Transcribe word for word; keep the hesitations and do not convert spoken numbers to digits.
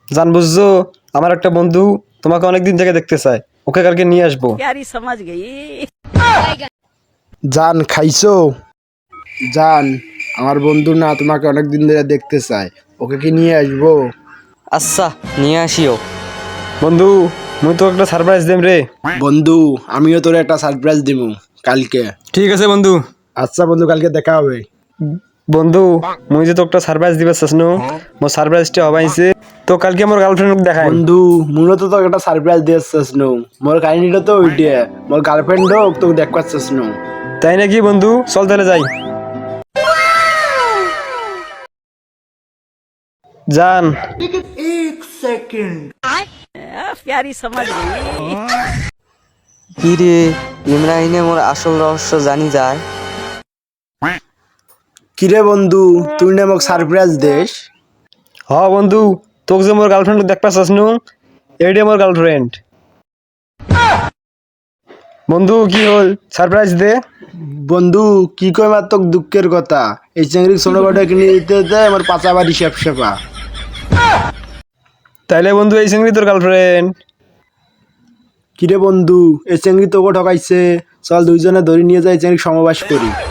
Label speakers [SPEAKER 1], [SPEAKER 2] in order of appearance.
[SPEAKER 1] জান বুঝছো, আমার একটা বন্ধু তোমাকে অনেকদিন থেকে দেখতে চায়, ওকে কালকে নিয়ে আসবো।
[SPEAKER 2] प्यारी समझ गई।
[SPEAKER 3] জান খাইছো? জান, আমার বন্ধু না তোমাকে অনেক দিন ধরে দেখতে চায়, ওকে কি নিয়ে আসবো?
[SPEAKER 4] আচ্ছা নিয়ে আসিও।
[SPEAKER 1] বন্ধু, মুই তো একটা সারপ্রাইজ দেম রে।
[SPEAKER 3] বন্ধু, আমিও তোর একটা সারপ্রাইজ দিব কালকে।
[SPEAKER 1] ঠিক আছে বন্ধু।
[SPEAKER 3] আচ্ছা বন্ধু, কালকে দেখা হবে।
[SPEAKER 1] বন্ধু, মুই যে তো একটা সারপ্রাইজ দিবে চাসনু, মোর সারপ্রাইজটা হবাইছে তো কালকে আমার গার্লফ্রেন্ড দেখাই।
[SPEAKER 3] বন্ধু, মূলত তোকে একটা সারপ্রাইজ দিয়েছিস নো, মোর কাহিনীটা তো ওইটা, মোর গার্লফ্রেন্ড হোক তোকে দেখ পাচ্ছিস নো।
[SPEAKER 1] তাই নাকি বন্ধু? চল তাহলে যাই। জান,
[SPEAKER 2] प्यारी समझ गई।
[SPEAKER 4] কি রে, ইমরাহিনে মোর আসল রহস্য জানি যায়।
[SPEAKER 3] কিরে বন্ধু, তুই না মোক সারপ্রাইজ দেস?
[SPEAKER 1] হ বন্ধু, তোকে যে মোর গার্লফ্রেন্ড দেখতে চাসনু, এইটাই মোর গার্লফ্রেন্ড। বন্ধু কি হল, সারপ্রাইজ দে।
[SPEAKER 3] বন্ধু, কি কই মার তোকে দুঃখের কথা, এই চিংড়ি ছোটখাটো কিনে দিতে দিতে আমার পাচা বাড়ি সেপ সেপা।
[SPEAKER 1] তাইলে বন্ধু এই সঙ্গী তোর গার্লফ্রেন্ড।
[SPEAKER 3] কিরে বন্ধু, এই চিংড়ি তোকে ঠকাইছে, চল দুইজনে ধরে নিয়ে যাই চিংড়ি সমাবেশ করি।